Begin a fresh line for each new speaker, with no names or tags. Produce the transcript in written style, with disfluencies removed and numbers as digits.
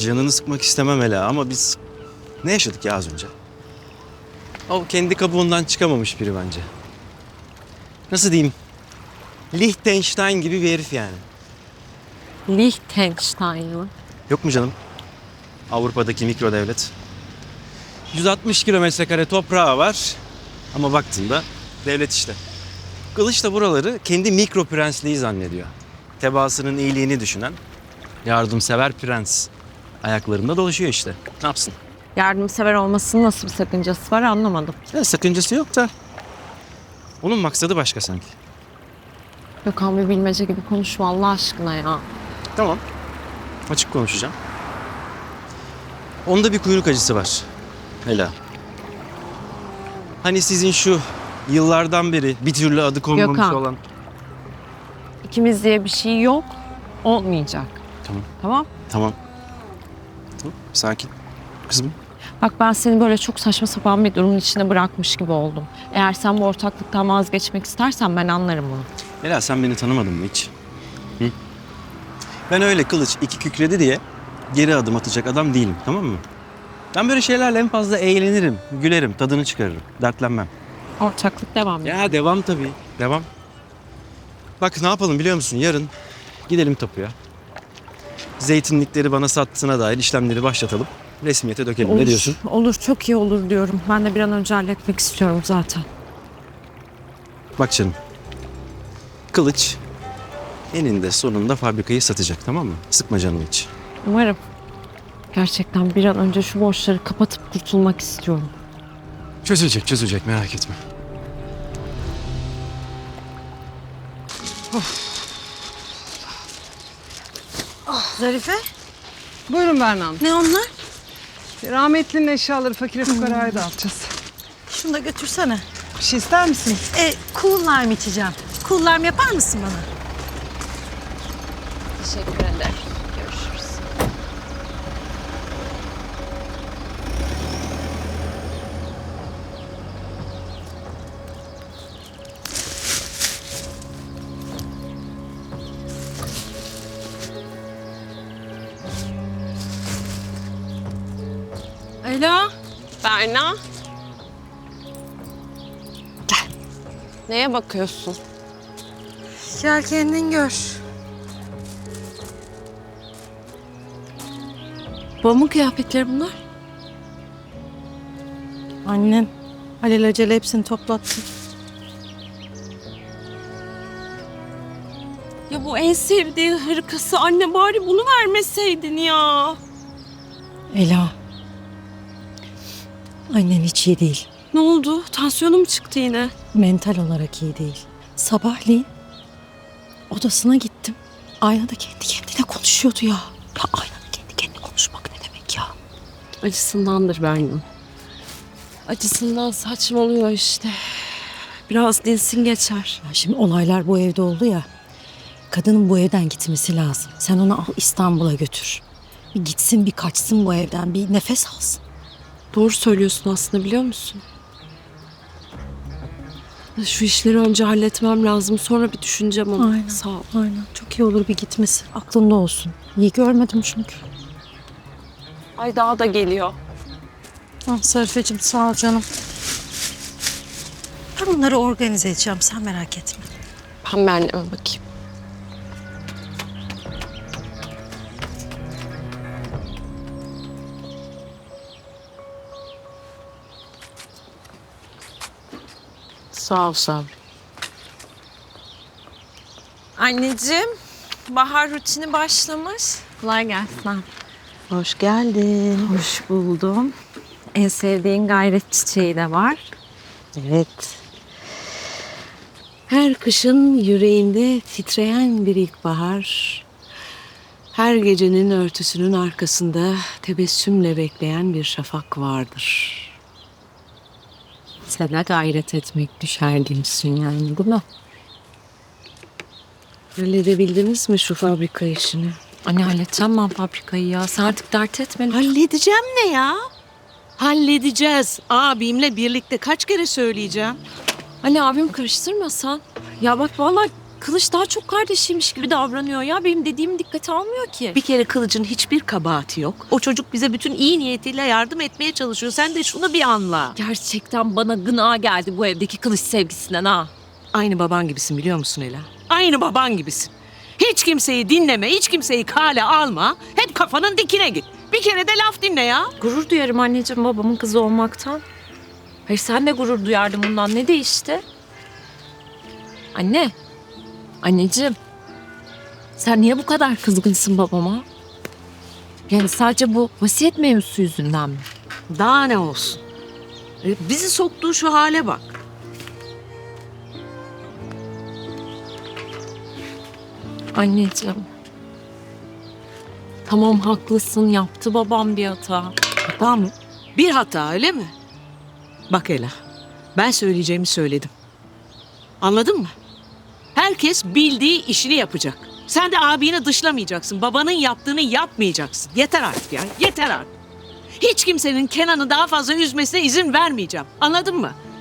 canını sıkmak istemem Ela ama biz ne yaşadık ya az önce? O kendi kabuğundan çıkamamış biri bence. Nasıl diyeyim? Liechtenstein gibi bir herif yani.
Liechtenstein mı?
Yok mu canım? Avrupa'daki mikro devlet. 160 kilometre kare toprağı var ama baktığında devlet işte. Kılıç da buraları kendi mikro prensliği zannediyor. Tebaasının iyiliğini düşünen yardımsever prens. Ayaklarında dolaşıyor işte. Ne yapsın?
Yardımsever olmasının nasıl bir sakıncası var anlamadım.
Ya, sakıncası yok da onun maksadı başka sanki.
Gökhan bir bilmece gibi konuşma Allah aşkına ya.
Tamam. Açık konuşacağım. Onda bir kuyruk acısı var. Ela. Hani sizin şu yıllardan beri bir türlü adı konmamış
Gökhan.
olan...
İkimiz diye bir şey yok. Olmayacak.
Tamam.
Tamam.
Tamam. Tamam. Sakin. Kızım.
Bak ben seni böyle çok saçma sapan bir durumun içine bırakmış gibi oldum. Eğer sen bu ortaklıktan vazgeçmek istersen ben anlarım bunu.
Ela sen beni tanımadın mı hiç? Hı? Ben öyle kılıç iki kükredi diye geri adım atacak adam değilim, tamam mı? Ben böyle şeylerle en fazla eğlenirim, gülerim, tadını çıkarırım, dertlenmem.
Ortaklık devam ediyor.
Ya devam tabii, devam. Bak ne yapalım biliyor musun? Yarın gidelim tapuya. Zeytinlikleri bana sattığına dair işlemleri başlatalım. Resmiyete dökelim. Ne diyorsun?
Olur çok iyi olur diyorum. Ben de bir an önce halletmek istiyorum zaten.
Bak canım. Kılıç eninde sonunda fabrikayı satacak, tamam mı? Sıkma canını hiç.
Umarım. Gerçekten bir an önce şu borçları kapatıp kurtulmak istiyorum.
Çözülecek, çözülecek, merak etme.
Zarife,
Buyurun Berna Hanım.
ne onlar?
Rahmetlinin eşyaları fakire fukaraya dağıtacağız.
Şunu da götürsene.
Bir şey ister misiniz?
Cool lime içeceğim. Cool lime yapar mısın bana?
Teşekkür ederim. Görüşürüz. Alo. Berna. Gel. Neye bakıyorsun?
Gel kendin gör.
Babamın kıyafetleri bunlar.
Annen alelacele hepsini toplattı.
Ya bu en sevdiği hırkası anne bari bunu vermeseydin ya.
Ela. Annen hiç iyi değil.
Ne oldu? Tansiyonum çıktı yine.
Mental olarak iyi değil. Sabahleyin odasına gittim. Aynada kendi kendine konuşuyordu ya. Ya aynada kendi kendine konuşmak ne demek ya?
Acısındandır Berna. Acısından saçmalıyor işte. Biraz dinsin geçer.
Ya şimdi olaylar bu evde oldu ya. Kadının bu evden gitmesi lazım. Sen onu al İstanbul'a götür. Bir gitsin bir kaçsın bu evden. Bir nefes alsın.
Doğru söylüyorsun aslında biliyor musun? Şu işleri önce halletmem lazım. Sonra bir düşüneceğim onu.
Aynen.
Sağ ol.
Aynen. Çok iyi olur bir gitmesi. Aklında olsun. İyi görmedim çünkü.
Ay daha da geliyor.
Sarifeciğim sağ ol canım. Ben bunları organize edeceğim. Sen merak etme.
Ben anneme bakayım. Sağ ol Sabri. Anneciğim, bahar rutini başlamış. Kolay gelsin.
Hoş geldin.
Hoş buldum. En sevdiğin gayret çiçeği de var.
Evet.
Her kışın yüreğinde titreyen bir ilkbahar, her gecenin örtüsünün arkasında tebessümle bekleyen bir şafak vardır.
Sana gayret etmek düşer diyorsun yani değil mi?
Halledebildiniz mi şu fabrika işini?
Anne halledeceğim ben fabrikayı ya. Sen artık dert etme.
Halledeceğim ne ya? Halledeceğiz. Abimle birlikte kaç kere söyleyeceğim?
Anne abim karıştırmasan. Ya bak vallahi Kılıç daha çok kardeşiymiş gibi davranıyor ya. Benim dediğimi dikkate almıyor ki.
Bir kere Kılıç'ın hiçbir kabahati yok. O çocuk bize bütün iyi niyetiyle yardım etmeye çalışıyor. Sen de şunu bir anla.
Gerçekten bana gına geldi bu evdeki Kılıç sevgisinden ha.
Aynı baban gibisin biliyor musun Ela? Aynı baban gibisin. Hiç kimseyi dinleme, hiç kimseyi kale alma. Hep kafanın dikine git. Bir kere de laf dinle ya.
Gurur duyarım anneciğim babamın kızı olmaktan. Hayır sen de gurur duyardın bundan. Ne değişti? Anne. Anneciğim. Sen niye bu kadar kızgınsın babama? Yani sadece bu vasiyet mevzusu yüzünden mi?
Daha ne olsun? Bizi soktuğu şu hale bak.
Anneciğim. Tamam haklısın. Yaptı babam bir hata.
Hata mı? Bir hata öyle mi? Bak Ela, ben söyleyeceğimi söyledim. Anladın mı? Herkes bildiği işini yapacak. Sen de abini dışlamayacaksın. Babanın yaptığını yapmayacaksın. Yeter artık ya, yeter artık. Hiç kimsenin Kenan'ı daha fazla üzmesine izin vermeyeceğim. Anladın mı?